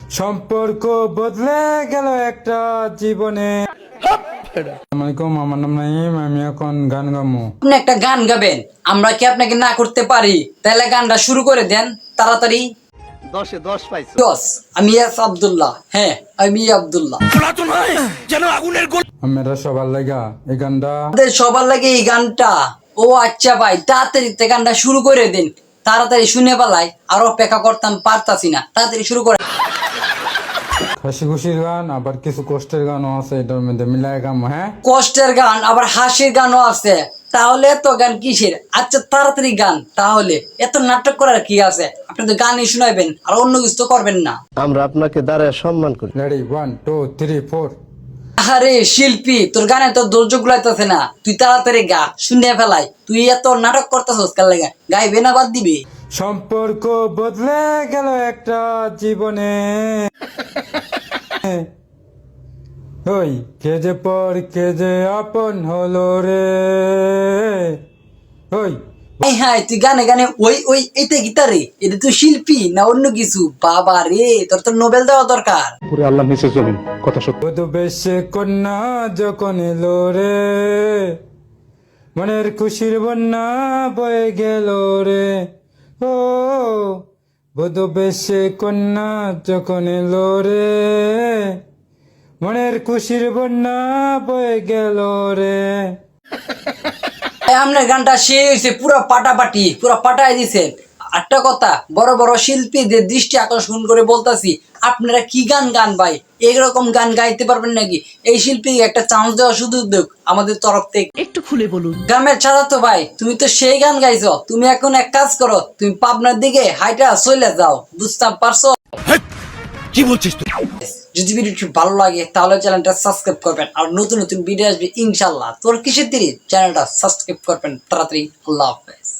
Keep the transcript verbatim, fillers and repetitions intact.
সম্পর্ক বদলে গেল একটা জীবনে। আসসালামাইকুম, আমার নাম নাইম, আমি এখন গান গামো। আপনি একটা গান গাবেন, আমরা কি আপনাকে না করতে পারি? তাহলে গানটা শুরু করে দেন তাড়াতাড়ি। দশে দশ পাইছো। দশ। আমি এস আব্দুল্লাহ। হ্যাঁ, আমি আব্দুল্লাহ। আমরা সবার লাগা এই গানটা। আমাদের সবার লাগে এই গানটা। ও আচ্ছা ভাই, তাড়াতাড়ি তে গানটা শুরু করে দিন। তাড়াতাড়ি শুনে পালাই, আর অপেক্ষা করতাম পারতাছি না। তাড়াতাড়ি শুরু করে। হাসি খুশির গান, আবার কিছু কষ্টের গানও আছে, এটার মধ্যে মিলাই গামো। হ্যাঁ, কষ্টের গান আবার হাসির গানও আছে। তাহলে এত গান কিসের? আচ্ছা তাড়াতাড়ি গান। তাহলে এত নাটক করার কি আছে? আপনি তো গানই শুনাইবেন, আর অন্য কিছু তো করবেন না। আমরা আপনাকে দাঁড়ায় সম্মান করি। Ready, one two three four. আরে শিল্পী, তোর গানে তো ধৈর্য গুলাইতেছে না। তুই তাড়াতাড়ি গা, শুনে ফেলাই। তুই এত নাটক করতেছস কাল লাগা, গাইবে না বাদ দিবি? সম্পর্ক বদলে গেল একটা জীবনে। ওই কে যে পর কে যে আপন হলো রে। ওই এই হ্যাঁ, তুই গানে গানে ওই ওই এইটা গিটারে, এটা তুই শিল্পী না অন্য কিছু? বাবা রে, তোর তো নোবেল দেওয়া দরকার। পুরো আল্লাহ নিচে জমিন, কথা সত্য। বধু বেশে কন্যা যখন এলো রে, মনের খুশির বন্যা বয়ে গেল রে। ও বধু বেশে কন্যা যখন এলো রে, মনের খুশির বন্যা বয়ে গেল রে। আপনার গানটা শেষ হয়েছে, পুরো পাটাপাটি, পুরো পাটাই দিছে। একটা কথা, বড় বড় শিল্পীদের দৃষ্টি আকর্ষণ করে বলতাছি, আপনারা কি গান গান ভাই? এইরকম গান গাইতে পারবেন নাকি? এই শিল্পী একটা চান্স দেওয়া শুধু উদ্যোগ আমাদের তরফ থেকে। একটু খুলে বলুন। গ্রামের ছাড়া তো ভাই, তুমি তো সেই গান গাইছো। তুমি এখন এক কাজ করো, তুমি পাবনার দিকে হাইটা চলে যাও, বুঝতে পারছো? কি বলছিস তুই? যদি ভিডিওটি ভালো লাগে তাহলে চ্যানেলটা সাবস্ক্রাইব করবেন, আর নতুন নতুন ভিডিও আসবে ইনশাল্লাহ। তোর কিসের দেরি? চ্যানেলটা সাবস্ক্রাইব করবেন তাড়াতাড়ি। আল্লাহ হাফেজ।